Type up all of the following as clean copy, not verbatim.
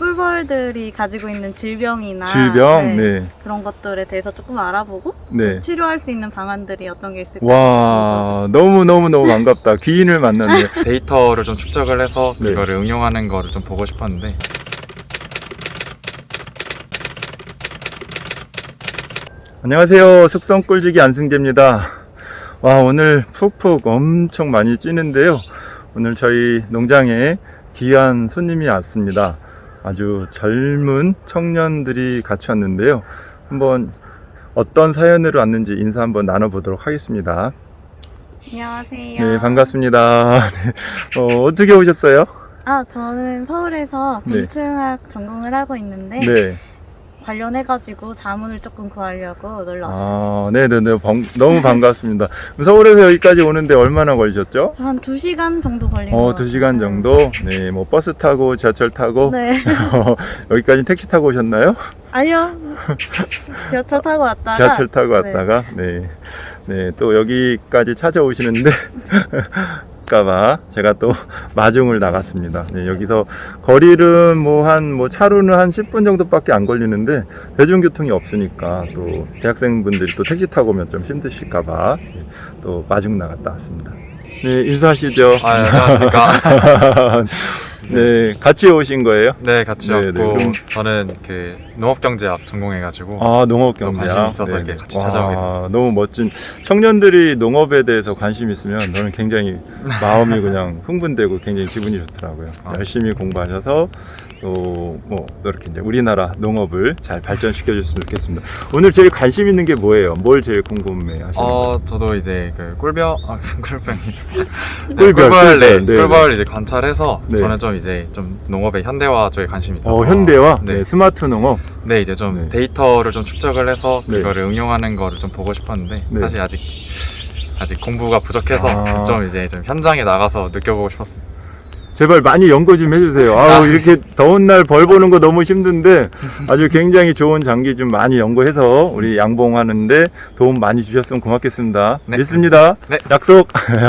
꿀벌들이 가지고 있는 질병이나 질병? 네. 그런 것들에 대해서 조금 알아보고 네. 치료할 수 있는 방안들이 어떤 게 있을까? 와, 너무너무 반갑다. 귀인을 만났네. 데이터를 좀 축적을 해서 네. 그거를 응용하는 거를 좀 보고 싶었는데 안녕하세요. 숙성꿀지기 안승재입니다. 와, 오늘 푹푹 엄청 많이 찌는데요. 오늘 저희 농장에 귀한 손님이 왔습니다. 아주 젊은 청년들이 같이 왔는데요. 한번 어떤 사연으로 왔는지 인사 한번 나눠보도록 하겠습니다. 안녕하세요. 네, 반갑습니다. 네. 어떻게 오셨어요? 저는 서울에서 네. 곤충학 전공을 하고 있는데 네. 관련해가지고 자문을 조금 구하려고 놀러 왔어요. 네네네. 너무 반갑습니다. 서울에서 여기까지 오는데 얼마나 걸리셨죠? 한 2시간 정도 걸린 것 같아요. 2시간 정도? 네, 뭐 버스 타고 지하철 타고 네. 여기까지 택시 타고 오셨나요? 아니요. 지하철 타고 왔다가 지하철 타고 왔다가 네. 네, 또 여기까지 찾아오시는데 까봐 제가 또 마중을 나갔습니다. 네, 여기서 거리는 차로는 한 10분 정도밖에 안 걸리는데 대중교통이 없으니까 또 대학생분들이 또 택시 타고 오면 좀 힘드실까봐 또 마중 나갔다 왔습니다. 네, 인사하시죠. 안녕하십니까. 네, 같이 오신 거예요? 네, 같이 네, 왔고 네, 그럼- 저는 그 농업경제학 전공해가지고 농업경제학. 관심 있어서 이렇게 같이 찾아오게 됐어요. 너무 멋진 청년들이 농업에 대해서 관심 있으면 저는 굉장히 마음이 그냥 흥분되고 굉장히 기분이 좋더라고요. 열심히 공부하셔서 또 이렇게 이제 우리나라 농업을 잘 발전시켜 줬으면 좋겠습니다. 오늘 제일 관심 있는 게 뭐예요? 뭘 제일 궁금해 하시는 거예요? 저도 이제 그 꿀병 꿀벌, 네, 네. 꿀벌 이제 관찰해서 네. 저는 좀 이제 좀 농업의 현대화 쪽에 관심이 있어서 현대화? 네. 네, 스마트 농업? 네, 이제 좀 네. 데이터를 좀 축적을 해서 네. 그거를 응용하는 거를 좀 보고 싶었는데 네. 사실 아직 공부가 부족해서 좀 이제 좀 현장에 나가서 느껴보고 싶었어요. 제발 많이 연구 좀 해주세요. 이렇게 더운 날 벌 보는 거 너무 힘든데 아주 굉장히 좋은 장기 좀 많이 연구해서 우리 양봉하는데 도움 많이 주셨으면 고맙겠습니다. 네. 믿습니다. 네. 약속.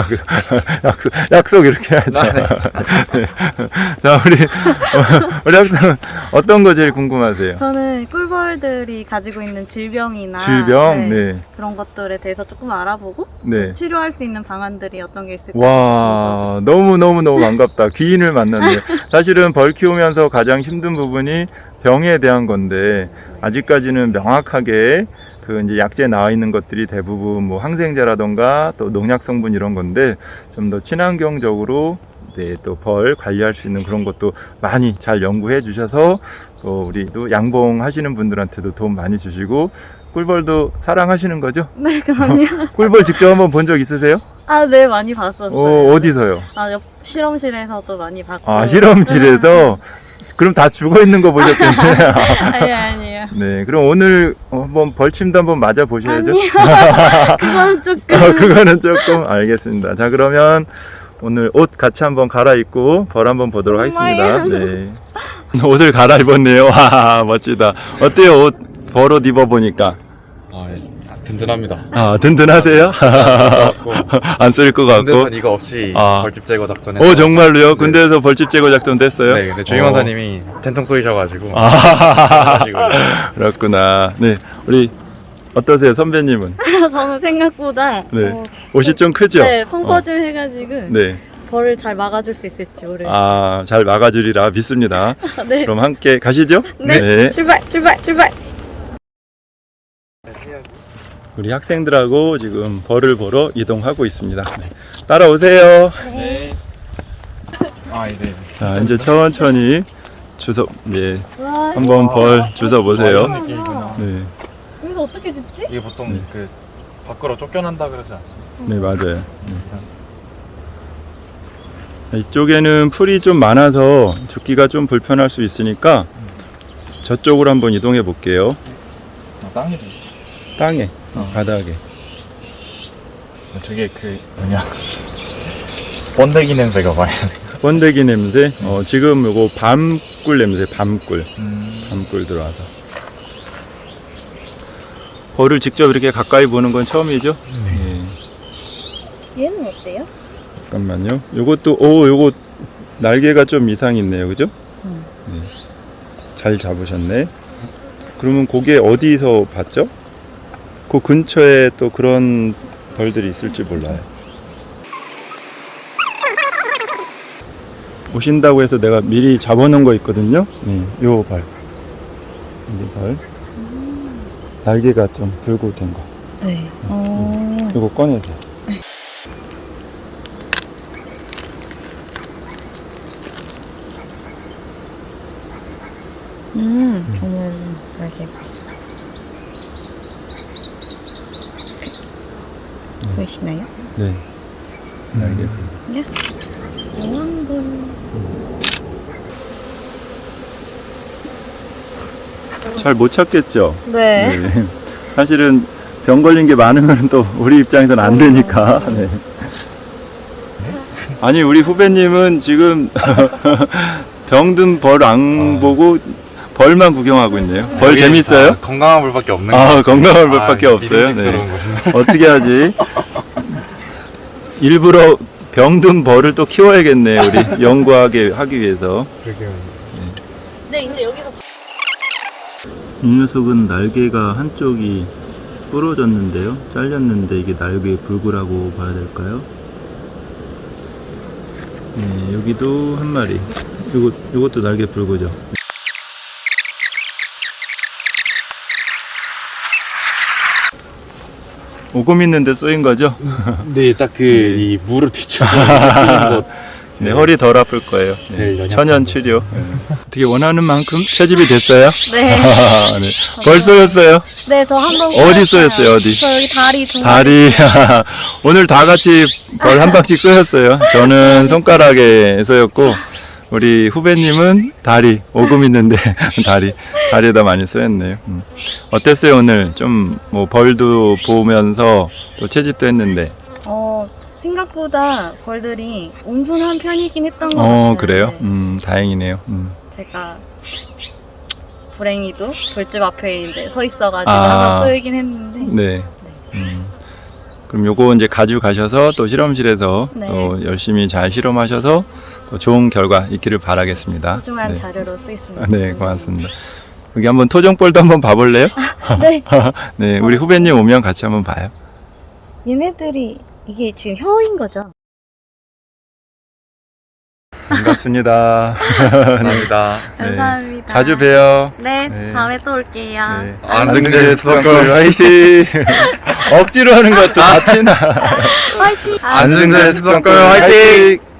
약속 이렇게 해야죠. 네. 자, 우리 학생 어떤 거 제일 궁금하세요? 저는 꿀벌들이 가지고 있는 질병이나 질병? 네. 그런 것들에 대해서 조금 알아보고 네. 치료할 수 있는 방안들이 어떤 게 있을까? 와, 너무 반갑다. 귀인을 만났네요. 사실은 벌 키우면서 가장 힘든 부분이 병에 대한 건데 아직까지는 명확하게 그 이제 약재에 나와 있는 것들이 대부분 항생제라던가 또 농약 성분 이런 건데 좀 더 친환경적으로 또 벌 관리할 수 있는 그런 것도 많이 잘 연구해 주셔서 또 우리 또 양봉하시는 분들한테도 도움 많이 주시고 꿀벌도 사랑하시는 거죠? 네, 그럼요. 꿀벌 직접 한번 본 적 있으세요? 네, 많이 봤었어요. 어디서요? 옆 실험실에서도 많이 봤고. 실험실에서? 그럼 다 죽어 있는 거 보셨겠네요. 아니에요. 네, 그럼 오늘 한번 벌침도 한번 맞아 보셔야죠. 아니요. 그건 조금. 그거는 조금 알겠습니다. 자, 그러면 오늘 옷 같이 한번 갈아입고 벌 한번 보도록 하겠습니다. 네. 옷을 갈아입었네요. 와, 멋지다. 어때요? 벌옷 입어보니까? 든든합니다. 든든하세요? 안 쓸 것 같고. 군대에서 이거 없이 벌집 제거 작전에 정말로요? 군대에서 벌집 제거 작전 됐어요? 네, 근데 주임원사님이 된통 쏘이셔가지고 그렇구나. 네, 우리 어떠세요, 선배님은? 저는 생각보다 네, 옷이 좀 크죠? 네, 펑퍼짐 해가지고 네, 벌을 잘 막아줄 수 있을지 모르겠어요. 잘 막아주리라 믿습니다. 네. 그럼 함께 가시죠. 네. 출발. 우리 학생들하고 지금 벌을 보러 이동하고 있습니다. 네. 따라오세요. 네. 이제 자, 이제 천천히 와, 한번 벌 주워 보세요. 느낌이구나. 네, 여기서 어떻게 줍지? 이게 보통 그 밖으로 쫓겨난다 그러지 않죠? 네, 맞아요. 네. 이쪽에는 풀이 좀 많아서 죽기가 좀 불편할 수 있으니까 저쪽으로 한번 이동해 볼게요. 땅이죠. 땅에, 바닥에. 되게 번데기 냄새가 많이 나네. 번데기 냄새. 지금 요거 밤꿀 냄새, 밤꿀 들어와서. 벌을 직접 이렇게 가까이 보는 건 처음이죠? 네. 얘는 어때요? 잠깐만요. 요것도 요거 날개가 좀 이상이 있네요, 그죠? 네. 잘 잡으셨네. 그러면 그게 어디서 봤죠? 그 근처에 또 그런 벌들이 있을지 몰라요. 오신다고 해서 내가 미리 잡아놓은 거 있거든요. 네, 요 벌. 이 벌. 날개가 좀 불고 된 거. 네. 이거 꺼내서. 저는 이렇게 보이시나요? 네. 날개 불. 네. 영왕벌. 잘 못 찾겠죠? 네. 네. 사실은 병 걸린 게 많으면 또 우리 입장에서는 안 되니까. 네. 아니 우리 후배님은 지금 병든 벌 안 보고 벌만 구경하고 있네요. 벌 재밌어요? 건강한 벌밖에 없는 거 아 건강한 벌밖에 없어요. 믿음직스러운 네. 것인데. 어떻게 하지? 일부러 병든 벌을 또 키워야겠네 우리 연구하게 하기 위해서. 네, 이제 여기서 이 녀석은 날개가 한쪽이 부러졌는데요. 잘렸는데 이게 날개 불구라고 봐야 될까요? 네, 여기도 한 마리. 요것도 날개 불구죠. 오금 있는데 쏘인 거죠? 네, 딱 그 이 무릎 뒤쪽에 것. 네, 허리 덜 아플 거예요. 제일 연약한 천연 거. 치료. 네. 어떻게 원하는 만큼 채집이 됐어요? 네. 네. 벌 쏘였어요? 네, 저 한 번 어디 쏘였어요? 어디? 저 여기 다리 두 다리. 오늘 다 같이 벌 한 방씩 쏘였어요. 저는 손가락에 쏘였고 우리 후배님은 다리. 오금 있는데 다리에다 많이 쏘였네요. 어땠어요 오늘? 좀 뭐 벌도 보면서 또 채집도 했는데. 생각보다 벌들이 온순한 편이긴 했던 것 같아요. 그래요? 네. 다행이네요. 제가 불행히도 돌집 앞에 이제 서 있어가지고 아. 한번 쏘이긴 했는데. 네. 그럼 요거 이제 가져가셔서 또 실험실에서 네. 또 열심히 잘 실험하셔서 또 좋은 결과 있기를 바라겠습니다. 소중한 네. 자료로 쓰겠습니다. 네, 고맙습니다. 여기 한번 토종벌도 한번 봐볼래요? 네. 네, 우리 후배님 오면 같이 한번 봐요. 얘네들이 이게 지금 혀인 거죠? 반갑습니다. 감사합니다. 네. 감사합니다. 자주 봬요. 네, 네. 다음에 또 올게요. 네. 안승재 수석골 화이팅! 억지로 하는 것도 같이 나. 화이팅! 안승재 수석골 화이팅!